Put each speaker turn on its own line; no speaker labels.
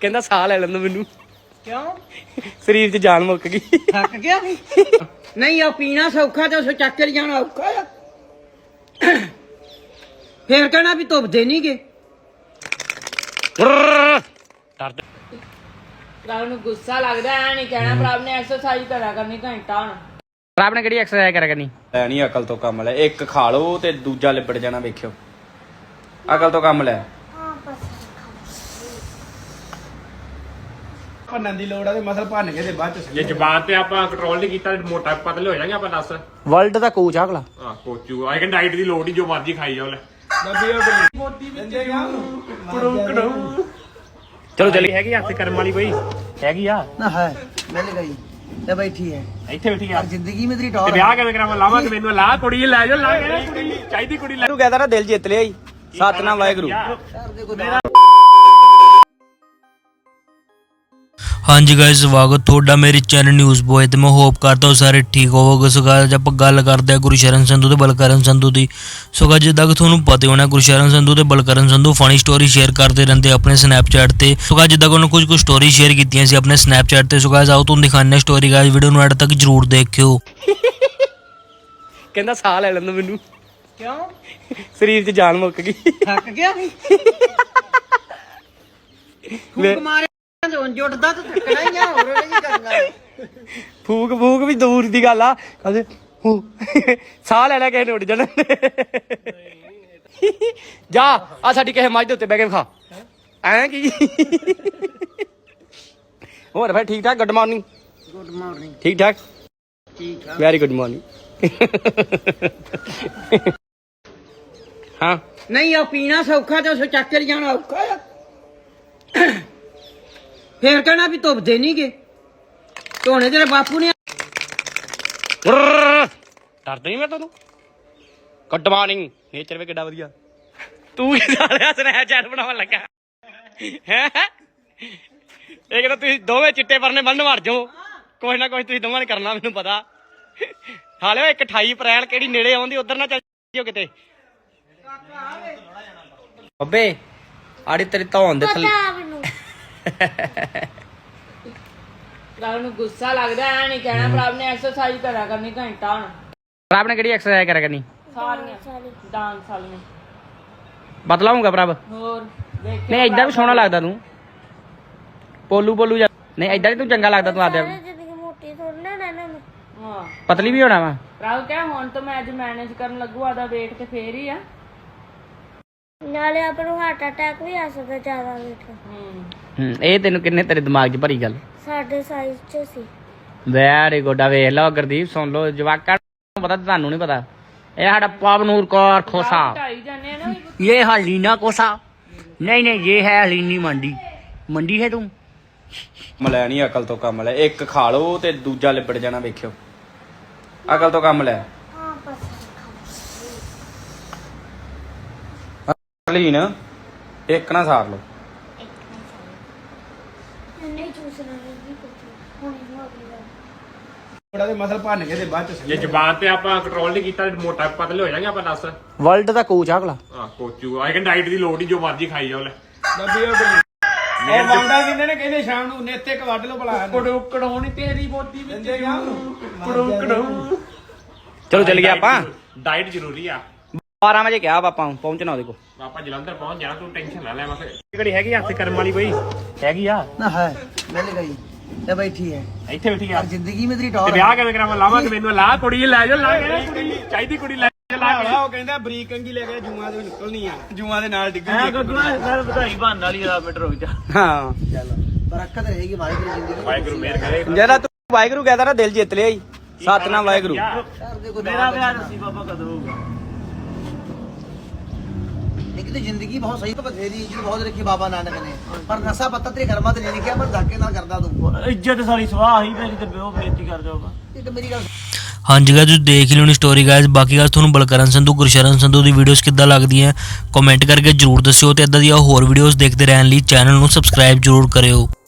ਕਹਿੰਦਾ ਸਾਹ ਲੈ ਲੈਂਦਾ ਮੈਨੂੰ।
ਕਿਉਂ?
ਸਰੀਰ 'ਚ ਜਾਨ ਮੁੱਕ ਗਈ।
ਥੱਕ ਗਿਆ ਨਹੀਂ? ਆ ਪੀਣਾ ਸੌਖਾ ਤੇ ਉਸ ਚੱਕ ਕੇ ਜਾਣਾ ਔਖਾ ਆ। ਫੇਰ ਕਹਿਣਾ ਵੀ ਧੁੱਪਦੇ ਨਹੀਂ ਗੇ।
ਪ੍ਰਭ ਨੂੰ ਗੁੱਸਾ ਲੱਗਦਾ ਐ ਨਹੀਂ ਕਹਿਣਾ ਪ੍ਰਭ ਨੇ ਐਕਸਰਸਾਈਜ਼ ਕਰਿਆ ਕਰਨੀ ਘੰਟਾ ਹੁਣ।
ਪ੍ਰਭ ਨੇ ਕਿਹੜੀ ਐਕਸਰਸਾਈਜ਼ ਕਰਿਆ ਕਰਨੀ? ਲੈ ਨਹੀਂ ਅਕਲ ਤੋਂ ਕੰਮ ਲੈ। ਇੱਕ ਖਾ ਲਓ ਤੇ ਦੂਜਾ ਲਿਬੜ ਜਾਣਾ ਵੇਖਿਓ। ਅਕਲ ਤੋਂ ਕੰਮ ਲੈ।
ਭੰਨਣ ਦੀ ਲੋੜ ਆ ਤੇ ਮਸਲ ਭੰਨ ਕੇ ਤੇ ਬਾਅਦ ਚ
ਜੇ ਜ਼ਬਾਨ ਤੇ ਆਪਾਂ ਕੰਟਰੋਲ ਨਹੀਂ ਕੀਤਾ ਤੇ ਮੋਟਾ ਪਤਲੇ ਹੋ ਜਾਾਂਗੇ ਆਪਾਂ। ਦੱਸ
ਵਰਲਡ ਦਾ ਕੋਚ ਆ ਅਗਲਾ।
ਹਾਂ ਕੋਚੂ ਆਈ ਕੈਨ ਡਾਈਟ ਦੀ ਲੋੜ ਨਹੀਂ, ਜੋ ਮਰਜ਼ੀ ਖਾਈ ਜਾਓ ਲੈ।
ਚਲੋ ਚੱਲੀ।
ਹੈਗੀ ਹੱਥ ਕਰਮ ਵਾਲੀ ਕੋਈ ਹੈਗੀ ਆ
ਨਾ ਹੈ ਮਿਲ ਗਈ ਤੇ ਬੈਠੀ ਹੈ
ਇੱਥੇ ਬੈਠੀ ਆ।
ਜ਼ਿੰਦਗੀ ਮੇਂ ਤੇਰੀ
ਤੇ
ਟੌਰ
ਵਿਆਹ ਕਿਵੇਂ ਕਰਾਵਾਂ? ਲਾਵਾਂ ਕਿ ਮੈਨੂੰ ਲਾ ਕੁੜੀ ਲੈ ਜਾਓ। ਲਾ ਕੇ ਕੁੜੀ ਚਾਹੀਦੀ ਕੁੜੀ ਲੈ।
ਤੂੰ ਕਹਿੰਦਾ ਨਾ ਦਿਲ ਜਿੱਤ ਲਿਆ ਈ। ਸਤਨਾਮ ਵਾਹਿਗੁਰੂ।
ਹਾਂਜੀ ਗਾਇਸ, ਸਵਾਗਤ ਤੁਹਾਡਾ ਮੇਰੇ ਚੈਨਲ ਨਿਊਜ਼ ਬੋਏ ਤੇ ਮੈਂ ਹੋਪ ਕਰਦਾ ਹਾਂ ਸਾਰੇ ਠੀਕ ਹੋਵੋਗੇ। ਸੋ ਗਾਇਸ ਆਪਾਂ ਗੱਲ ਕਰਦੇ ਹਾਂ ਗੁਰਸ਼ਰਨ ਸੰਧੂ ਤੇ ਬਲਕਰਨ ਸੰਧੂ ਦੀ। ਸੋ ਗਾਇਸ ਜਿੱਦਾਂ ਕਿ ਤੁਹਾਨੂੰ ਪਤਾ ਹੋਣਾ ਗੁਰਸ਼ਰਨ ਸੰਧੂ ਤੇ Balkaran Sandhu funny story share ਕਰਦੇ ਰਹਿੰਦੇ ਆਪਣੇ ਸਨੈਪਚੈਟ ਤੇ। ਸੋ ਗਾਇਸ ਜਿੱਦਾਂ ਕਿ ਉਹਨਾਂ ਕੁਝ ਸਟੋਰੀ ਸ਼ੇਅਰ ਕੀਤੀਆਂ ਸੀ ਆਪਣੇ ਸਨੈਪਚੈਟ ਤੇ। ਸੋ ਗਾਇਸ ਆਓ ਤੁਹਾਨੂੰ ਦਿਖਾਉਂਦੇ ਹਾਂ ਸਟੋਰੀ। ਗਾਇਸ ਵੀਡੀਓ ਨੂੰ ਐਡ ਤੱਕ ਜਰੂਰ ਦੇਖਿਓ।
ਕਹਿੰਦਾ ਸਾਹ ਲੈ ਲੈਂਦਾ ਮੈਨੂੰ।
ਕਿਉਂ?
ਸਰੀਰ 'ਚ ਜਾਨ ਮੁੱਕ ਗਈ।
ਥੱਕ ਗਿਆ ਫੂਕ ਮਾਰੇ ਜੁੱਟਦਾ ਤਾਂ ਥੱਕਣਾ ਹੀ ਆ। ਹੋਰ ਕੀ ਕਰਨਾ?
ਫੂਕ ਫੂਕ ਵੀ ਦੂਰ ਦੀ ਗੱਲ ਆ। ਕਹਿੰਦੇ ਸਾਹ ਲੈ ਲੈ ਕਿਸੇ ਨੇ ਉੱਡ ਜਾਣਾ। ਜਾ ਆ ਸਾਡੀ ਕਿਸੇ ਮੱਝ ਦੇ ਉੱਤੇ ਬਹਿ ਕੇ ਖਾ। ਐਂ ਕੀ ਹੋਰ ਫਿਰ ਠੀਕ ਠਾਕ? Good morning.
Good morning.
ਠੀਕ ਠਾਕ?
ਠੀਕ ਆ।
Very good morning. ਹਾਂ
ਨਹੀਂ ਆ ਪੀਣਾ ਸੌਖਾ ਤੇ ਉਸ ਚੱਕ ਕੇ ਜਾਣਾ ਔਖਾ ਆ। ਫੇਰ ਕਹਿਣਾ ਵੀ ਧੁੱਪਦੇ ਨਹੀਂ ਗੇ। ਧੋਣੇ ਤੇਰੇ ਬਾਪੂ ਨੇ।
ਡਰਦਾ ਨਹੀਂ ਮੈਂ ਤੁਹਾਨੂੰ। Good morning. ਨੇਚਰ ਵੀ ਕਿੱਡਾ ਵਧੀਆ। ਤੂੰ ਕੀ ਸਾਲਿਆ ਸਨੈਪਚੈਟ ਬਣਾਉਣ ਲੱਗਾ ਹੈ? ਇਹ ਕਹਿੰਦਾ ਤੁਸੀਂ ਦੋਵੇਂ ਚਿੱਟੇ ਪਰਨੇ ਬੰਨ ਮਾਰ ਜਾਓ। ਕੁਛ ਨਾ ਕੁਛ ਤੁਸੀਂ ਦੋਵਾਂ ਨੇ ਕਰਨਾ ਮੈਨੂੰ ਪਤਾ। ਹਾਲੇ 28 ਅਪ੍ਰੈਲ ਕਿਹੜੀ ਨੇੜੇ ਆਉਂਦੀ, ਉਧਰ ਨਾ ਚੱਲ ਜਿਓ ਕਿਤੇ। ਬੱਬੇ ਆੜੀ ਤੇਰੀ ਧੌਣ ਦੇ ਥੱਲੇ।
ਪ੍ਰਭ ਨੂੰ ਗੁੱਸਾ ਲੱਗਦਾ ਐ ਨਹੀਂ ਕਹਿਣਾ ਪ੍ਰਭ ਨੇ ਐਕਸਰਸਾਈਜ਼ ਕਰਿਆ ਕਰਨੀ ਘੰਟਾ ਹੁਣ।
ਪ੍ਰਭ ਨੇ ਕਿਹੜੀ ਐਕਸਰਸਾਈਜ਼ ਕਰਿਆ ਕਰਨੀ?
ਸਾਰੀਆਂ ਡਾਂਸ ਵਾਲੀਆਂ।
ਬਤਲਾ ਹੋਊਗਾ ਪ੍ਰਭ।
ਹੋਰ ਦੇਖ
ਨਹੀਂ ਏਦਾਂ ਵੀ ਸੋਹਣਾ ਲੱਗਦਾ ਤੂੰ। ਪੋਲੂ ਪੋਲੂ ਜਾ। ਨਹੀਂ ਏਦਾਂ ਨੀ ਤੂੰ ਚੰਗਾ ਲੱਗਦਾ। ਤੂੰ ਆਦੇ
ਹਾਂ
ਪਤਲੀ ਵੀ ਹੋਣਾ ਵਾ।
ਪ੍ਰਭ ਕਹਿ ਹੁਣ ਤਾਂ ਮੈਂ ਅੱਜ ਮੈਨੇਜ ਕਰਨ ਲੱਗੂ ਆਦਾ ਵੇਟ ਤੇ ਫੇਰ ਹੀ ਆ।
ਨਾਲੇ ਆਪਾਂ ਨੂੰ ਹਾਰਟ ਅਟੈਕ ਵੀ ਆ ਸਕਦਾ ਜ਼ਿਆਦਾ ਵੇਟ।
ਇਹ ਤੈਨੂੰ ਕਿੰਨੇ ਤੇਰੇ ਦਿਮਾਗ 'ਚ ਭਰੀ ਗੱਲ?
ਸਾਡੇ ਸਾਈਜ਼ 'ਚ ਸੀ।
Very good. ਆ ਵੇਖ ਲਓ ਗੁਰਦੀਪ, ਸੁਣ ਲਓ ਜਵਾਕਾਂ ਨੂੰ ਪਤਾ, ਤੁਹਾਨੂੰ ਨਹੀਂ ਪਤਾ। ਇਹ ਸਾਡਾ ਪਵਨੂਰ ਕੌਰ ਖੋਸਾ।
ਢਾਈ ਜਾਂਦੇ ਆ ਨਾ
ये हलीना कोसा। नहीं नहीं ये है हलीनी मंडी। मंडी है तुम। ਲੈ ਨਹੀਂ ਅਕਲ ਤੋਂ ਕੰਮ ਲੈ। ਇੱਕ ਖਾ ਲਓ ਤੇ ਦੂਜਾ ਲਿਬੜ ਜਾਣਾ ਵੇਖਿਓ। ਅਕਲ ਤੋਂ ਕੰਮ ਲੈ।
ਹਾਂ ਬਸ
ਹਲੀਨ ਇੱਕ ਨਾ ਸਾਰ ਲਓ।
ਨਹੀਂ ਚੂਸਣਾ ਨਹੀਂ ਕੁਝ ਹੁਣ ਹੋ ਗਿਆ।
ਥੋੜਾ ਤੇ ਮਸਲ ਭੰਨ ਕੇ ਤੇ ਬਾਅਦ ਚ
ਜੇ ਜ਼ਬਾਨ ਤੇ ਆਪਾਂ ਕੰਟਰੋਲ ਨਹੀਂ ਕੀਤਾ ਤੇ ਮੋਟਾ ਪਤਲੇ ਹੋ ਜਾਾਂਗੇ ਆਪਾਂ। ਦੱਸ
ਵਰਲਡ ਦਾ ਕੋਚ ਆ ਅਗਲਾ।
ਹਾਂ ਕੋਚੂ ਆਈ ਕੈਨ ਡਾਈਟ ਦੀ ਲੋੜ ਨਹੀਂ, ਜੋ ਮਰਜ਼ੀ ਖਾਈ ਜਾਓ ਲੈ।
ਉਹ ਵਾਂਡਾ ਦਿੰਦੇ ਨੇ, ਕਹਿੰਦੇ ਸ਼ਾਮ ਨੂੰ ਨੇਤੇ ਕ ਵੱਢ ਲਓ ਭਲਾ।
ਕੜਾਉਣੀ ਤੇਰੀ ਬੋਦੀ ਵਿੱਚ
ਚਲੋ ਚੱਲ ਗਿਆ ਆਪਾਂ।
ਡਾਈਟ ਜ਼ਰੂਰੀ ਆ।
12 ਵਜੇ ਕਿਹਾ ਆਪਾਂ ਪਹੁੰਚਣਾ ਉਹਦੇ ਕੋਲ।
ਆਪਾਂ ਜਲੰਧਰ ਪਹੁੰਚ ਜਾਣਾ, ਤੂੰ ਟੈਨਸ਼ਨ ਨਾ ਲੈ। ਬਸ ਕਿਹੜੀ ਹੈਗੀ ਹੱਥ ਕਰਮ ਵਾਲੀ ਕੋਈ ਹੈਗੀ ਆ
ਨਾ ਹੈ ਮਿਲ ਗਈ ਤੇ ਬੈਠੀ ਹੈ
ਇੱਥੇ ਬੈਠੀ ਆ।
ਜ਼ਿੰਦਗੀ ਮੇਂ ਤੇਰੀ
ਤੇ
ਟੌਰ
ਵਿਆਹ ਕਿਵੇਂ ਕਰਾਵਾਂ? ਲਾਵਾਂ ਕਿ ਮੈਨੂੰ ਲਾ ਕੁੜੀ ਲੈ ਜਾਓ। ਲਾ ਕੇ ਕੁੜੀ ਚਾਹੀਦੀ ਕੁੜੀ ਲੈ ਜਾਓ। ਲਾ ਕੇ
ਉਹ ਕਹਿੰਦਾ ਬਰੀਕ ਕੰਗੀ ਲੈ ਕੇ ਜੂਆਂ ਦੇ ਨਿਕਲਣੀ ਆ, ਜੂਆਂ ਦੇ ਨਾਲ ਡਿੱਗੂ।
ਹਾਂ
ਬਰਕਤ ਰਹੇਗੀ ਵਾਹਿਗੁਰੂ ਜ਼ਿੰਦਗੀ।
ਵਾਹਿਗੁਰੂ ਮਿਹਰ ਕਰੇ।
ਜਿਹੜਾ ਤੂੰ ਵਾਹਿਗੁਰੂ ਕਹਿੰਦਾ ਨਾ ਦਿਲ ਜਿੱਤ ਲਿਆ ਈ। ਸਤਨਾਮ ਵਾਹਿਗੁਰੂ।
ਮੇਰਾ ਵਿਆਹ ਨਸੀਬ ਬਾਬਾ ਕਦੋਂ ਹੋਊਗਾ? लेकिन जिंदगी बहुत सही तो बथेरी इज्जत बहुत रखी बाबा नानक ने, पर नशा पत्ता तेरे कर्मा ते नहीं लिखा। मैं धक्के नाल करदा तू
ਇੱਜ਼ਤ ਸਾਰੀ ਸਵਾਹ ਹੀ ਮੇਰੀ ਤੇ ਬਿਓ ਬੇਇੱਜ਼ਤੀ ਕਰ ਜਾਊਗਾ।
ये तो मेरी गल।
ਹਾਂਜੀ ਗਾਇਸ ਤੁਸੀਂ ਦੇਖ ਲਿਓ ਨੀ ਸਟੋਰੀ ਗਾਇਸ। ਬਾਕੀ ਗਾਇਸ ਤੁਹਾਨੂੰ ਬਲਕਰਨ ਸੰਧੂ ਗੁਰਸ਼ਰਨ ਸੰਧੂ ਦੀ ਵੀਡੀਓਜ਼ ਕਿੱਦਾਂ ਲੱਗਦੀਆਂ ਕਮੈਂਟ ਕਰਕੇ ਜਰੂਰ ਦੱਸਿਓ ਤੇ ਇਦਾਂ ਦੀਆਂ ਹੋਰ ਵੀਡੀਓਜ਼ ਦੇਖਦੇ ਰਹਿਣ ਲਈ ਚੈਨਲ ਨੂੰ ਸਬਸਕ੍ਰਾਈਬ ਜਰੂਰ ਕਰਿਓ।